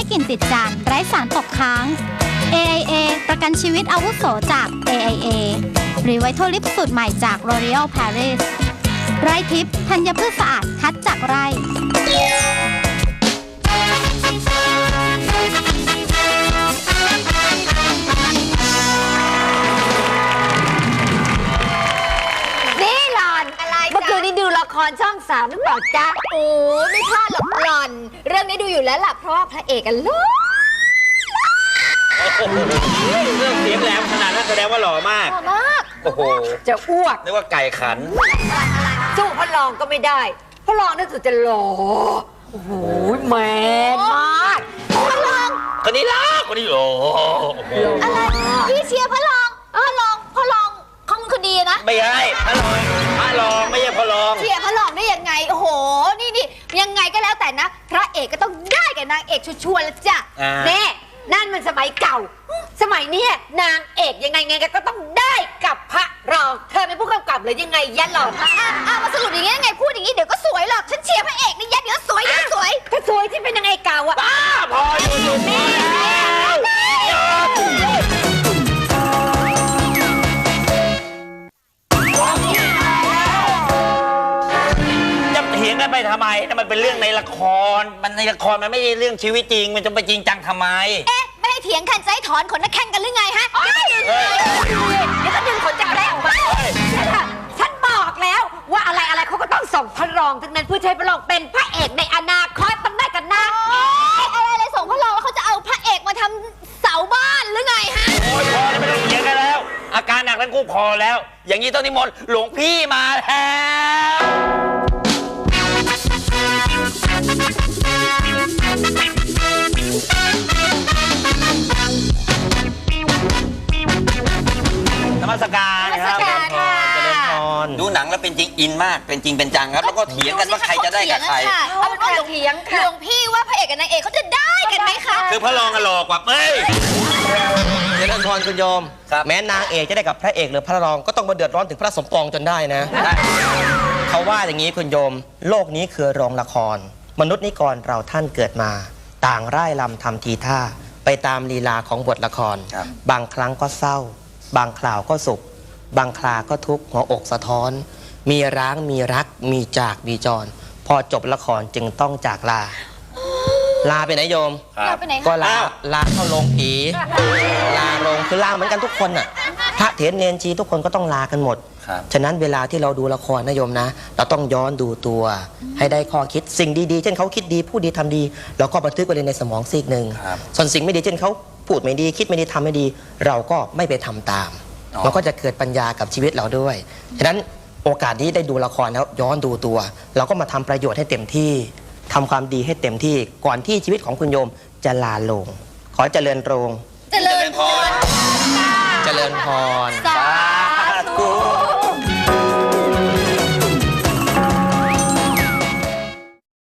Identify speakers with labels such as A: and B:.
A: กลิ่นติดจานไร้สารตกค้าง AIA ประกันชีวิตอาวุโสจาก AIA หรือไวท์โทลิปสูตรใหม่จาก L'Oréal Paris ไร่ทิพย์ธัญพืชสะอาดคัดจากไร่
B: เมื่อคืนนี้ดูละครช่อง3หรือเปล่าจ๊ะโอ้ไม่พลาดหรอกหล่อน เรื่องนี้ดูอยู่แล้วล่ะเพราะว่าพระเอกกันหล่อ
C: เรื่องเสียงแหลมขนาดนั้นแสดงว่าหล่อมากโอ้โห
B: จะอ้วก
C: นึกว่าไก่ขัน
B: สู้พระรองก็ไม่ได้พระรองนึกสุดจะหล่อโอ้โหแมนมากพระรอง
C: คนนี้ล่ะคนนี้โอ้โห
A: อะไรพี่เชียร์พระรองเขาคนดีนะ
C: ไม่ใช่พระรองไม่ใช่พระรอง
B: เชียร์พระรองได้ยังไงโอ้โหนี่ยังไงก็แล้วแต่นะพระเอกก็ต้องได้กับนางเอกชัวร์ๆแล้วจ้ะเน่นั่นมันสมัยเก่าสมัยนี้นางเอกยังไงก็ต้องได้กับพระรองเธอเป็นผู้กำกับหรือยังไงยันหล่อ
A: มาสรุปอย่างงี้ยังไงพูดอย่างงี้เดี๋ยวก็สวยหรอกฉันเชียร์พระเอกนี่ยันเดี๋ยวสวย
B: ก็สวยที่เป็นนางเอกเก่าอะ
C: บ้าพออยู่แม่กันไปทำไมนั่นมันเป็นเรื่องในละครมันในละครมันไม่ใช่เรื่องชีวิตจริงมันจะไปจริงจังทำไม
A: ไม่ให้เถียงกันจะให้ถอนขนนักแข่งกันหรือไงฮะ
B: เดี๋ยวก็ดึงขนจักรแร้ออกมาฉันบอกแล้วว่าอะไรเขาก็ต้องส่งพระรองทั้งนั้นเพื่อใช้พระรองเป็นพระเอกในอนาคตต้องได้กันนะ
A: อะไรส่งพระรองแล้วเขาจะเอาพระเอกมาทำเสาบ้านหรือไงฮะ
C: โอ้ยพอแล้วไม่ต้องเถียงกันแล้วอาการหนักทั้งคู่พอแล้วอย่างนี้ต้องนิมนต์หลวงพี่มาแล้วนมัสการครับเจริญพรดูหนังแล้วเป็นจริงอินมากเป็นจริงเป็นจังครับแล้วก็เถียงกันว่าใครจะได้กับใคร
A: เอาเป็นว่าเถียงค่ะหลวงพี่ว่าพระเอกกับนางเอกเขาจะได้กันไหมคะ
C: คือพระรองกันหลอกกว่าเอ้ย
D: เจริญพรคุณโยมแม้นางเอกจะได้กับพระเอกหรือพระรองก็ต้องมาเดือดร้อนถึงพระสมปองจนได้นะเขาว่าอย่างนี้คุณโยมโลกนี้คือโรงละครมนุษย์นิกรเราท่านเกิดมาต่างร่ายรำทำทีท่าไปตามลีลาของบทละครบางครั้งก็เศร้าบางคราวก็สุขบางคราก็ทุกข์หัวอกสะท้อนมีร้างมีรักมีจากมีจรพอจบละครจึงต้องจากลาไปไหนโยมก็ลาเข้าโรงผีลาโรงคือลาเหมือนกันทุกคนน่ะพระเถรเนรชีทุกคนก็ต้องลากันหมดฉะนั้นเวลาที่เราดูละครนะโยมนะเราต้องย้อนดูตัวให้ได้ข้อคิดสิ่งดีๆเช่นเขาคิดดีพูดดีทำดีเราก็บันทึกไว้ในสมองซีกหนึ่งส่วนสิ่งไม่ดีเช่นเขาพูดไม่ดีคิดไม่ดีทำไม่ดีเราก็ไม่ไปทำตามมันก็จะเกิดปัญญากับชีวิตเราด้วยฉะนั้นโอกาสนี้ได้ดูละครแล้วย้อนดูตัวเราก็มาทำประโยชน์ให้เต็มที่ทำความดีให้เต็มที่ก่อนที่ชีวิตของคุณโยมจะลาลงขอเจริญโรง
A: เจริญพร
D: เจริญพร
A: สา